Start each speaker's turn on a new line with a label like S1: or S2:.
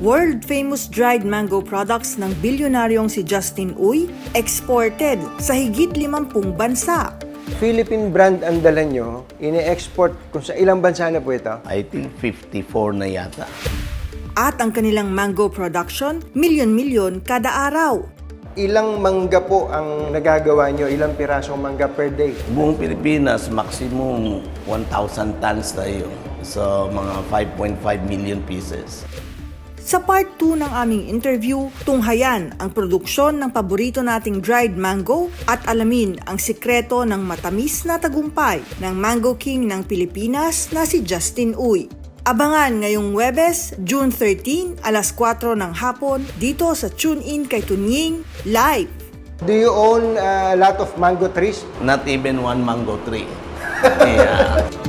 S1: World-famous dried mango products ng bilyonaryong si Justin Uy, exported sa higit 50 bansa.
S2: Philippine brand ang dala nyo, ini-export kung sa ilang bansa na po ito?
S3: I think 54 na yata.
S1: At ang kanilang mango production, milyon-milyon kada araw.
S2: Ilang mangga po ang nagagawa nyo? Ilang pirasong mangga per day?
S3: Buong Pilipinas, maximum 1,000 tons tayo. So, mga 5.5 million pieces.
S1: Sa part 2 ng aming interview, tunghayan ang produksyon ng paborito nating dried mango at alamin ang sikreto ng matamis na tagumpay ng Mango King ng Pilipinas na si Justin Uy. Abangan ngayong Huwebes, June 13, alas 4 ng hapon, dito sa Tune In kay Tunying Live.
S2: Do you own a lot of mango trees?
S3: Not even one mango tree. Yeah.